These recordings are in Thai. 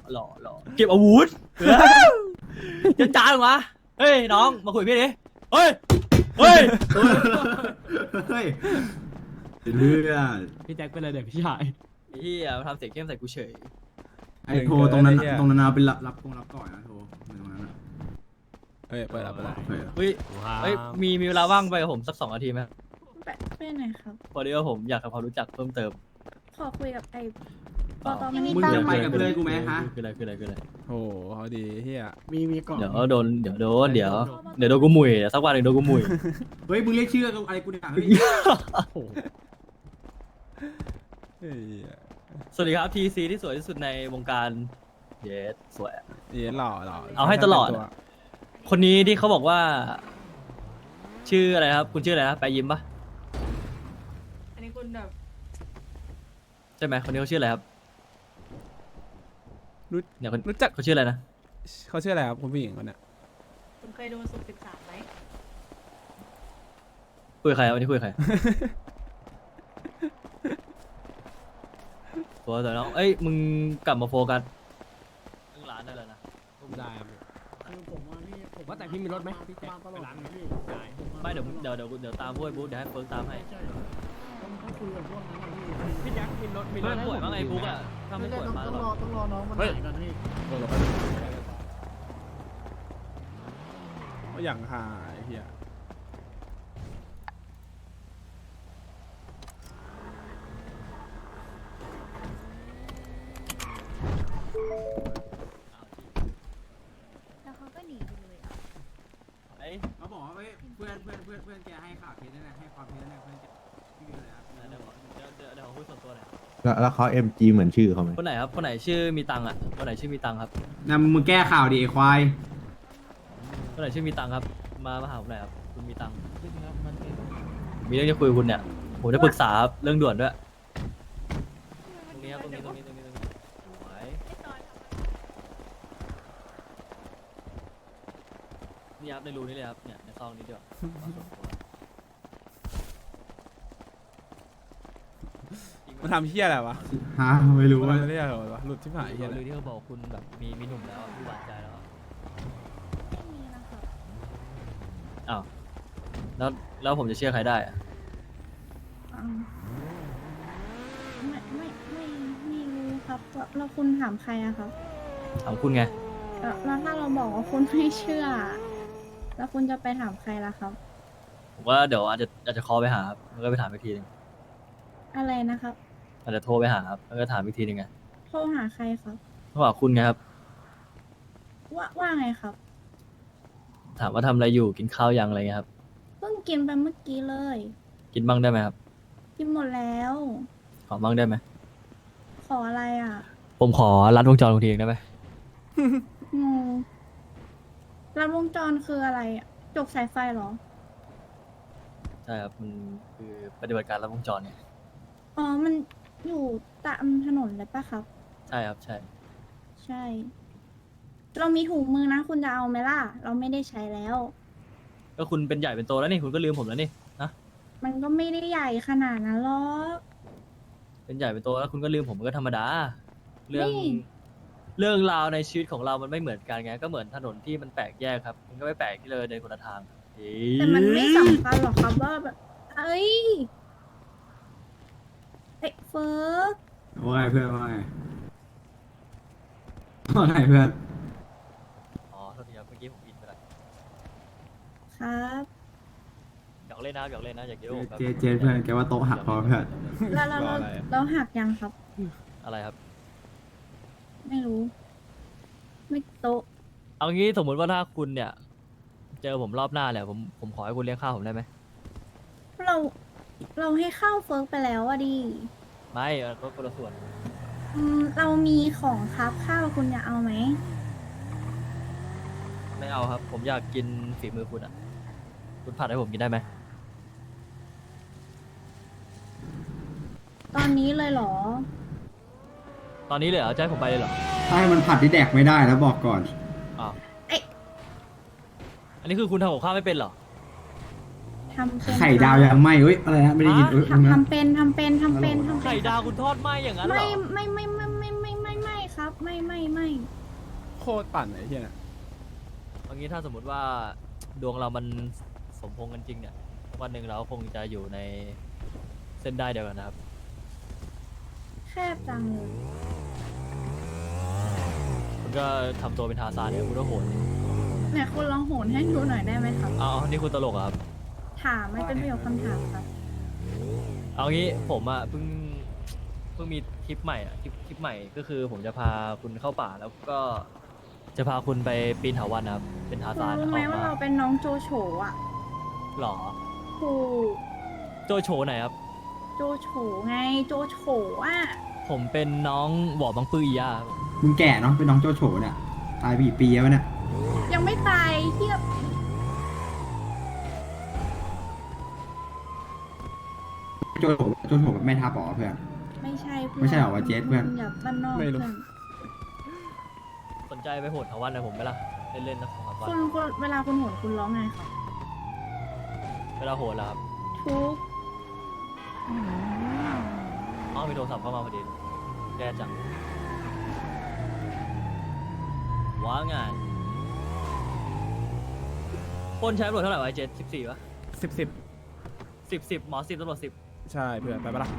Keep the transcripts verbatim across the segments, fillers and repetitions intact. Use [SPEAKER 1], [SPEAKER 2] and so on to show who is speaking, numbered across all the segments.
[SPEAKER 1] หล่อหล่อเก็บอาวุธจะจ้าหรอวะเฮ้ยน้องมาคุยพี่ดิเฮ้ยเฮ้ย
[SPEAKER 2] เฮ้ยเรื่อง
[SPEAKER 3] พี่แจ็คเป็นอะไรเด็กพี่ชาย
[SPEAKER 1] เฮียมาทำเสียงเข้มใส่กูเฉย
[SPEAKER 2] ไอ้โทรตรงนั้นตรงนั้นเอาไปรับรับกงรับก่อนนะโทรตรงนั้นนะ
[SPEAKER 4] เฮ้ยเปิดแล้วเปิดแล้ว
[SPEAKER 2] โอเค
[SPEAKER 1] เฮ้ยเฮ้ยมีมีเวลาว่างไปกับผมสักสองนาทีไหม
[SPEAKER 5] ไปไปไหนครับ
[SPEAKER 1] พอดีว่าผมอยากทำความรู้จักเพิ่มเติม
[SPEAKER 5] ขอคุยกับไอ้ป
[SPEAKER 1] อ๋
[SPEAKER 5] อ
[SPEAKER 1] อ
[SPEAKER 5] ตอไม่มี
[SPEAKER 2] มึง
[SPEAKER 5] ตัง
[SPEAKER 2] จะ
[SPEAKER 5] ค์
[SPEAKER 2] ไปกับเพื่อนกูไหมฮะ
[SPEAKER 1] คืออะไรคืออะไรคืออะไร
[SPEAKER 4] โอ้โหเขาดีเฮีย
[SPEAKER 3] มีมีกล่อง
[SPEAKER 1] เดี๋ยวโดนเดี๋ยวโดนเดี๋ยวเดี๋ยวโดนกูหมุยสักวันหนึ่งโดนกูหมุย
[SPEAKER 2] เฮ้ยมึงเรียกชื่ออะไรกูเนี่ยเฮ้ย
[SPEAKER 4] เฮ้ย
[SPEAKER 1] สวัสดีครับทีซีที่สวยที่สุดในวงการเยสสวย
[SPEAKER 4] เย็นหล่อหล่อ
[SPEAKER 1] เอาให้ตลอด คนนี้ที่เขาบอกว่า ชื่ออะไรครับ คุณชื่ออะไรนะไปยิ้มปะ
[SPEAKER 5] อันนี้คุณแบบ
[SPEAKER 1] ใช่ไหมคนนี้เขาชื่ออะไรครับ
[SPEAKER 4] รู้
[SPEAKER 1] เนี่ยคน
[SPEAKER 4] รู้จัก
[SPEAKER 1] เขาชื่ออะไรนะ
[SPEAKER 4] เขาชื่ออะไรครับคุณผู้หญิงคนเนี้ย
[SPEAKER 5] คุณเคยดูสุดสิบสามไหม
[SPEAKER 1] คุยกับใครครับวันนี้คุยกับใคร โฟกัสแต่น้องเอ้ยมึงกลับมาโฟกัสเรื่องร้านได้แล้วนะ
[SPEAKER 3] ผมได้ครับคือผมว่าพี่ผมว่าแต่พี่มีรถไหมพี่แจ็คไปร้านไหนพี่ได้
[SPEAKER 1] ไม่เดี๋ยวเดี๋ยวเดี๋ยวเดี๋ยวตามพวกไอ้บุ๊กเดี๋ยวให้เฟิร์กตามให้
[SPEAKER 3] ต้องต้องคุยกับพวกนั้นพี่พี่แจ็คมีรถมีร
[SPEAKER 1] เพื่อ
[SPEAKER 3] ถ
[SPEAKER 1] นป่วยบ้างไอ้บุ๊กอ่ะถ้าไม่ป่วยมา
[SPEAKER 3] ต้อง
[SPEAKER 1] หร
[SPEAKER 3] รอ
[SPEAKER 1] อก
[SPEAKER 3] ต้องรอน้องมันหายก่อนพี่
[SPEAKER 4] เออเราก็อย่างหายเฮีย
[SPEAKER 5] แล้วเขาก็หนีไปเลยอ่ะ
[SPEAKER 1] ไอ้
[SPEAKER 2] เขาบอกว่าเฮ้ยเพื่อนเพื่อนเพื่อนเพื่อนแกให้ข่าวเท็จนั่นแหละให้ความเท็จนั่นแหละเพื่อนแกพี่มีอะไรครับ
[SPEAKER 1] เดี๋ยวเดี๋ยวเดี๋ยวเดี๋ยวขอคุยส่วนตัวหน่อย
[SPEAKER 6] แล้วแล้วเขา เอ็ม จี เหมือนชื่อเขาไหม
[SPEAKER 1] คนไหนครับคนไหนชื่อมีตังค์อ่ะคนไหนชื่อมีตังค์ครับ
[SPEAKER 2] นะมึงแก้ข่าวดิไอ้ควาย
[SPEAKER 1] คนไหนชื่อมีตังค์ครับมามาหาผมหน่อยครับคุณมีตังค์มีเรื่องจะคุยกับคุณเนี่ยผมจะปรึกษาครับเรื่องด่วนด้วยตรงนี้ครับตรงนี้ตรงนี้ตรงนี้ตรงนี้ไหวนี่ครับในรูนี้เลยครับเนี่ยในซองนี้เดียว
[SPEAKER 4] มันทำเฮียอะไรวะ
[SPEAKER 2] ฮะไม่รู้
[SPEAKER 4] มัน
[SPEAKER 2] ว่า
[SPEAKER 4] ทำเฮียอะไรวะหลุดที่หายเฮีย
[SPEAKER 1] เรื่อง
[SPEAKER 4] เลย
[SPEAKER 1] ที่เขาบอกคุณแบบมีมีหนุ่มแล้วอะที่หวานใจแล้วอะ
[SPEAKER 5] ไม่มีนะครับ
[SPEAKER 1] อ้าวแล้วแล้วผมจะเชื่อใครได้อะ
[SPEAKER 5] อืมไม่ไม่ไม่ไม่รู้ครับแล้วแล้วคุณถามใครอะครับ
[SPEAKER 1] ถามคุณไง
[SPEAKER 5] แล้วแล้วถ้าเราบอกว่าคุณไม่เชื่อ แล้วคุณจะไปถามใครล่ะครับ
[SPEAKER 1] ผมว่าเดี๋ยวอาจจะอาจจะคอลไปหาครับแล้วก็ไปถามอีกทีหนึง
[SPEAKER 5] อะไรนะครับ
[SPEAKER 1] อาจจะโทรไปหาครับแล้วก็ถามอีกทีหนึงไง
[SPEAKER 5] โทรหาใครครับ
[SPEAKER 1] เพราะว่าคุณไงครับ
[SPEAKER 5] ว่าว่าไงครับ
[SPEAKER 1] ถามว่าทำอะไรอยู่กินข้าวยังอะไรเงี้ยครับ
[SPEAKER 5] เพิ่งกินไปเมื่อกี้เลย
[SPEAKER 1] กินบ้างได้ไหมครับ
[SPEAKER 5] กินหมดแล้ว
[SPEAKER 1] ขอบ้างได้ไหม
[SPEAKER 5] ขออะไรอ่ะ
[SPEAKER 1] ผมขอรัดวงจรคุณทีเองได้ไหม
[SPEAKER 5] งงรัดวงจรคืออะไรอะจกสายไฟเหรอ
[SPEAKER 1] ใช่ครับมันคือปฏิบัติการรัดวงจรเนี่ย
[SPEAKER 5] อ๋อ มันอยู่ตามถนนเลยปะครับ
[SPEAKER 1] ใช่ครับใช่
[SPEAKER 5] ใช่ เรามีถุงมือนะ คุณจะเอาไหมล่ะ เราไม่ได้ใช้แล้ว
[SPEAKER 1] ก็คุณเป็นใหญ่เป็นโตแล้วนี่คุณก็ลืมผมแล้วนี่นะ
[SPEAKER 5] มันก็ไม่ได้ใหญ่ขนาดนั้นหรอก
[SPEAKER 1] เป็นใหญ่เป็นโตแล้วคุณก็ลืมผมมันก็ธรรมดา เรื่อง
[SPEAKER 5] นี่
[SPEAKER 1] เรื่องราวในชีวิตของเรามันไม่เหมือนกันไงก็เหมือนถนนที่มันแปลกแยกครับ มันก็ไม่แปลกที่เลยเดินคนละทางเอ๊ะ
[SPEAKER 5] แต่มันไม่สำคัญหรอกครับว่าแบบเอ้ยเอ้ยเฟิร์ก
[SPEAKER 2] ว่าไงเพื่อนว่าไงว่าไงเพื่อน
[SPEAKER 1] อ๋อโทษทีครับเมื่อกี้ผมผิดไปแล้ว
[SPEAKER 5] ครับ
[SPEAKER 1] อยากเล่นนะอยากเล่นนะอยากเยอะผมแบบ
[SPEAKER 2] เจเจเพื่อนแกว่าโต๊ะหักพอเพื่อน
[SPEAKER 5] แล้วเราเราเราหักยังครับ
[SPEAKER 1] อะไรครับ
[SPEAKER 5] ไม่รู้ ไม่โต๊ะ
[SPEAKER 1] เอางี้สมมติว่าถ้าคุณเนี่ย เจอผมรอบหน้าแหละผมผมขอให้คุณเลี้ยงข้าวผมได้ไหม
[SPEAKER 5] เรา เราให้เข้าเฟิร์กไปแล้วอะดิ
[SPEAKER 1] ไม่เออก็คนละส่วน
[SPEAKER 5] อืมเรามีของครับข้าวคุณจะเอาไหม
[SPEAKER 1] ไม่เอาครับ ผมอยากกินฝีมือคุณอ่ะ คุณผัดให้ผมกินได้ไหม
[SPEAKER 5] ตอนนี้เลยเหรอ
[SPEAKER 1] ตอนนี้เลยเหรอจะให้ผมไปเลยเหรอ
[SPEAKER 2] ถ้าให้มันผัดที่แดกไม่ได้แล้วบอกก่อน
[SPEAKER 1] อ้าว
[SPEAKER 5] เอ๊ะ
[SPEAKER 1] อันนี้คือคุณทำกับข้าวไม่เป็นเหรอ
[SPEAKER 5] ทำเป็น
[SPEAKER 2] ไข่ดาวยังไหม่เอ้ยอะไรนะไม่ได้ยินเอ้ย
[SPEAKER 5] ทำทำเป็นทำเป็นทำเป็นทำเป็น
[SPEAKER 1] ไข่ดาวคุณทอดไหมอย่างนั้นเหร
[SPEAKER 5] ไม่
[SPEAKER 1] อ
[SPEAKER 5] ไม่ไม่ไม่ไม่ไม่ไม่ไม่ครับไม่ไม่ไม่
[SPEAKER 4] โคตรปั่นไอ้เฮียน่ะ
[SPEAKER 1] เอางี้ถ้าสมมติว่าดวงเรามันสมพงษ์กันจริงเนี่ยวันหนึ่งเราคงจะอยู่ในเส้นได้เดียวกันนะครับ
[SPEAKER 5] แคบจังเลย
[SPEAKER 1] คุณก็ทำตัวเป็นทาซานเนี่ยคุณก็โหด
[SPEAKER 5] เนี่ยคุณลองโหนให้ดูหน่อยได้ไหมครับ
[SPEAKER 1] เอาเอานี่คุณตลกเหรอครับ
[SPEAKER 5] ถามไม่เป็นประโยคคำถามครับ
[SPEAKER 1] เอางี้ผมอะเพิ่งเพิ่งมีทริปใหม่อะทริปทริปใหม่ก็คือผมจะพาคุณเข้าป่าแล้วก็จะพาคุณไปปีนเถาวัลย์นะครับ เป็นทา
[SPEAKER 5] คุณ
[SPEAKER 1] ซาน
[SPEAKER 5] รู้ไหม
[SPEAKER 1] ออก
[SPEAKER 5] ว่า
[SPEAKER 1] มา
[SPEAKER 5] เราเป็นน้องโจโฉอ่ะ
[SPEAKER 1] หรอ
[SPEAKER 5] ถูก
[SPEAKER 1] โจโฉไหนครับ
[SPEAKER 5] โจโฉไงโจโฉอ่ะ
[SPEAKER 1] ผมเป็นน้องหวอบังปื้อยาครับ
[SPEAKER 2] มึงแก่เนาะเป็นน้องโจโฉเนี่ยตายไปกี่ปีแล้วเนี่ย
[SPEAKER 5] ยังไม่ตายเทียบ
[SPEAKER 2] โจโฉโจโฉแบบไม่ทับหรอเพื่อน
[SPEAKER 5] ไม่ใช่เพื่อน
[SPEAKER 2] ไม่ใช่เหรอวะเจสเพื่อน
[SPEAKER 5] อย่าบ้านนอกเพื่อน
[SPEAKER 1] สนใจไปโหดเถาวัลย์กับผมไหมล่ะเล่นๆนะสองสามวัน
[SPEAKER 5] คุณคุณเวลาคุณโหนคุณร้องไงครับ
[SPEAKER 1] เวลาโหดแล้วครับ
[SPEAKER 5] ทุก
[SPEAKER 1] อ๋อมีโทรศัพท์เข้ามาพอดีแย่จังว้าไงปล้นใช้ตำรวจเท่าไหร่วะไอ้เจ็ดสิบสี่วะ
[SPEAKER 4] สิบสิบ
[SPEAKER 1] สิบสิบหมอสิบตำรวจสิบ
[SPEAKER 4] ใช่เพื่อนไปปะล่ะ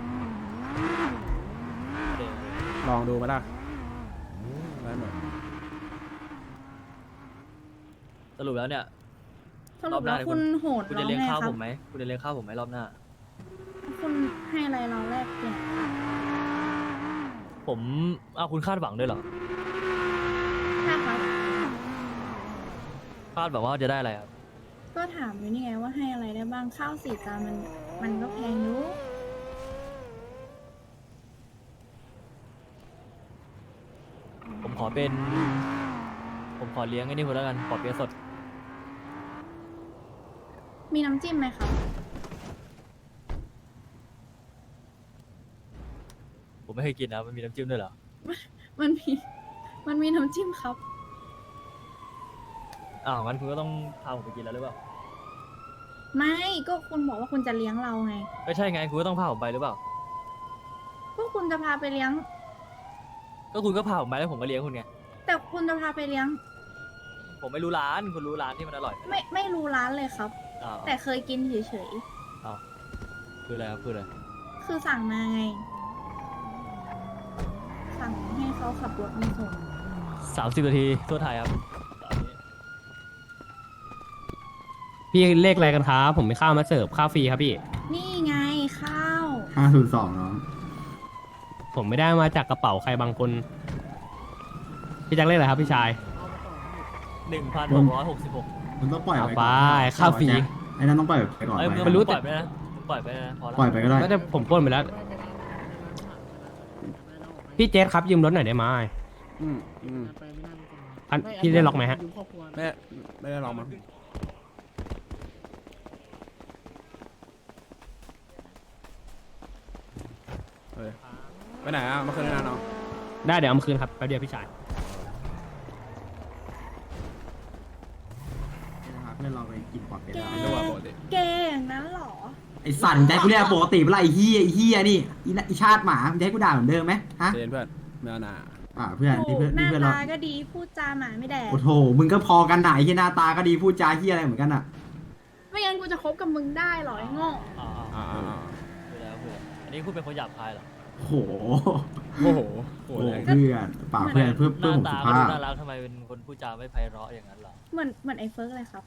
[SPEAKER 1] เดี๋ยว
[SPEAKER 4] ลองดูไหมล่ะได้หมด
[SPEAKER 1] สรุปแล้วเนี่ย
[SPEAKER 5] สรุปแล้วคุณโหน
[SPEAKER 1] คุณ
[SPEAKER 5] ร้
[SPEAKER 1] จะ
[SPEAKER 5] อง
[SPEAKER 1] เลี้ยง
[SPEAKER 5] ไง
[SPEAKER 1] ข้าว
[SPEAKER 5] ครั
[SPEAKER 1] ผ
[SPEAKER 5] บ
[SPEAKER 1] มไหมคุณจะเลี้ยงข้าวผมไหมรอบหน้า
[SPEAKER 5] คุณให้อะไรเราแลกเปลี่ยน
[SPEAKER 1] ผมเอาคุณคาดหวังด้วยเหรอ
[SPEAKER 5] ค่ะครับ
[SPEAKER 1] คาดแบบว่าจะได้อะไรครับ
[SPEAKER 5] ก็ถามอยู่นี่ไงว่าให้อะไรได้บ้างข้าวสี่จานมันมันก็แพงอยู่
[SPEAKER 1] ผมขอเป็น ผมขอเลี้ยงไอ้นี่คุณแล้วกันขอเปี๊ยะสด
[SPEAKER 5] มีน้ำจิ้มไหมครับ
[SPEAKER 1] ผมไม่เคยกินนะมันมีน้ำจิ้มด้วยเหรอ
[SPEAKER 5] มันมีมันมีน้ำจิ้มครับ
[SPEAKER 1] อ้าวงั้นคุณก็ต้องพาผมไปกินแล้วหรือเปล่า
[SPEAKER 5] ไม่ก็คุณบอกว่าคุณจะเลี้ยงเราไง
[SPEAKER 1] ไม่ใช่ไงคุณก็ต้องพาผมไปหรือเปล่า
[SPEAKER 5] ก็คุณจะพาไปเลี้ยง
[SPEAKER 1] ก็คุณก็พาผมไปแล้วผมก็เลี้ยงคุณไง
[SPEAKER 5] แต่คุณจะพาไปเลี้ยง
[SPEAKER 1] ผมไม่รู้ร้านคุณรู้ร้านที่มันอร่อยไหม
[SPEAKER 5] ไม่ไม่รู้ร้านเลยครับ
[SPEAKER 1] อ้าว
[SPEAKER 5] แต่เคยกินเฉย
[SPEAKER 1] อ้าวคืออะไรครับคืออะไร
[SPEAKER 5] ๆคือสั่งมาไง สั่งให้เขาขับรถมาส่ง
[SPEAKER 1] สามสิบนาทีทั่วไทยครับตอนนี้
[SPEAKER 3] พี่เลขอะไรกันครับ ผมมีข้าวมาเสิร์ฟข้าวฟรีครับพี่
[SPEAKER 5] นี่ไงข้าว
[SPEAKER 2] ห้าศูนย์สองน้อง
[SPEAKER 3] ผมไม่ได้มาจากกระเป๋าใครบางคน พี่แจ็คเลขอะไรครับพี่ชาย
[SPEAKER 1] หนึ่งพันหกร้อยหกสิบหก
[SPEAKER 2] มันต้องปล่อย
[SPEAKER 3] เอา
[SPEAKER 2] ไป
[SPEAKER 3] ไป
[SPEAKER 2] ก่อน
[SPEAKER 3] ข้าวฟรี
[SPEAKER 2] ไอ้นั่นต้องปล่อยไปก่อน
[SPEAKER 1] เอ้ย
[SPEAKER 2] ไป
[SPEAKER 1] มึง
[SPEAKER 3] ไม่รู้
[SPEAKER 1] ปล่อยไปนะมึงปล่อยไปนะพอแล้ว
[SPEAKER 2] ปล่อยไปก็ได้
[SPEAKER 3] ไม่ได้ผมปล้นไปแล้ว พี่เจสครับยืมรถหน่อยได้ไหม
[SPEAKER 4] อืมอืม
[SPEAKER 3] อันพี่ได้ล็อกไหมฮะ
[SPEAKER 4] ไม่ไม่ได้ลองมั้งเฮ้ยไปไหนอ่ะเมื่อคืนนี้นะน้อง
[SPEAKER 3] ได้เดี๋ยวเอามาคืนครับแป๊บเดียวพี่ชาย
[SPEAKER 2] เพื่อนเราไปกินปอดเป็ด
[SPEAKER 5] แก
[SPEAKER 2] แล้ว
[SPEAKER 4] ไม่รู้ว่าปกติ
[SPEAKER 5] แกอย่างนั้นเหรอ
[SPEAKER 2] ไอ้สัตว์ใจกูเรียกปกติเวลาไอ้เฮียไอ้เฮียนี่อีน่ะไอ้ชาติหมามึงจะให้กูด่าเหมือนเดิมไหมฮะ
[SPEAKER 4] เจนเพื่อนไม่เอาหนา
[SPEAKER 2] อ่าเพื่อน
[SPEAKER 5] โอ้
[SPEAKER 2] นี่เพื่อน
[SPEAKER 5] ห
[SPEAKER 2] นี่
[SPEAKER 5] น้า
[SPEAKER 2] เพื่อนเรา
[SPEAKER 5] ตาก็ดีพูดจาหมาไม่แดก
[SPEAKER 2] โอ้โหมึงก็พอกันหน่ะไอ้เฮียหน้าตาก็ดีพูดจาเฮียอะไรเหมือนกันอ่ะ
[SPEAKER 5] ไม่งั้นกูจะคบกับมึงได้เหรอไอ้โง่
[SPEAKER 1] อ่าอ่า
[SPEAKER 4] อ่าอ่าอ่า
[SPEAKER 1] คือแล้วคือแล้วอันนี้คุณเป็นคนหยาบคายเหรอ
[SPEAKER 2] โอ้โห
[SPEAKER 4] โอ้โหโห
[SPEAKER 2] โอ้
[SPEAKER 4] แรง
[SPEAKER 2] เพื่อนเปล่าเพื่อนเพื่อน
[SPEAKER 1] ห
[SPEAKER 2] เพื่อน
[SPEAKER 1] น้า
[SPEAKER 2] ผม
[SPEAKER 1] ตา
[SPEAKER 2] สุ
[SPEAKER 1] ก็
[SPEAKER 2] ภาพ
[SPEAKER 1] ดูน่ารักทำไมเป็นคนพูดจาไม่ไพเราะอย่างนั้นเหรอ
[SPEAKER 5] เหมือนเหมือนไอ้เฟิร์กเลยครับ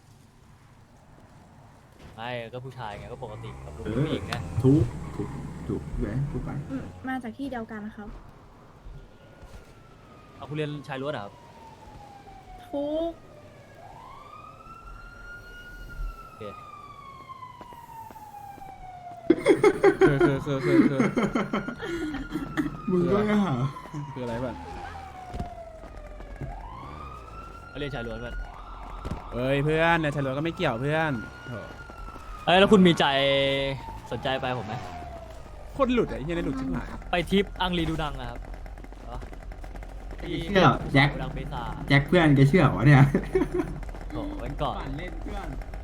[SPEAKER 1] ไม่ก็ผู้ชายไงก็ปกติกับลูก
[SPEAKER 2] เออ
[SPEAKER 1] ผู้หญิงไง
[SPEAKER 2] ทุกทุกทุกเว้ยทุกไป
[SPEAKER 5] อืมมาจากที่เดียวกันนะครับ
[SPEAKER 1] เอาคุณเรียนชายล้วนเหรอครับ
[SPEAKER 5] ทุก
[SPEAKER 1] โอเค
[SPEAKER 4] คือคือคือคือคือ
[SPEAKER 2] มึงก็อย่า
[SPEAKER 4] คืออะไรเพื่อน
[SPEAKER 1] เอาเรียนชายล้วนเพื่อน
[SPEAKER 4] เอ้ยเพื่อนเนี่ยชายล้วนก็ไม่เกี่ยวเพื่อนโถ
[SPEAKER 1] เอ้ยแล้วคุณมีใจสนใจไปผมไหม
[SPEAKER 4] โคตรหลุดอ่ะไอ้เหี้ยนี่หลุดชิบหาย
[SPEAKER 1] ไปทริปอังรีดูดังอะครับเหรอที่
[SPEAKER 2] เชื่อแจ็ค
[SPEAKER 1] ดูดังเบซ่า
[SPEAKER 2] แจ็คเพื่อนแกเชื่อวะเนี่ย
[SPEAKER 1] โอ้วันก่อน
[SPEAKER 2] ปั่นเล่นเพื่อน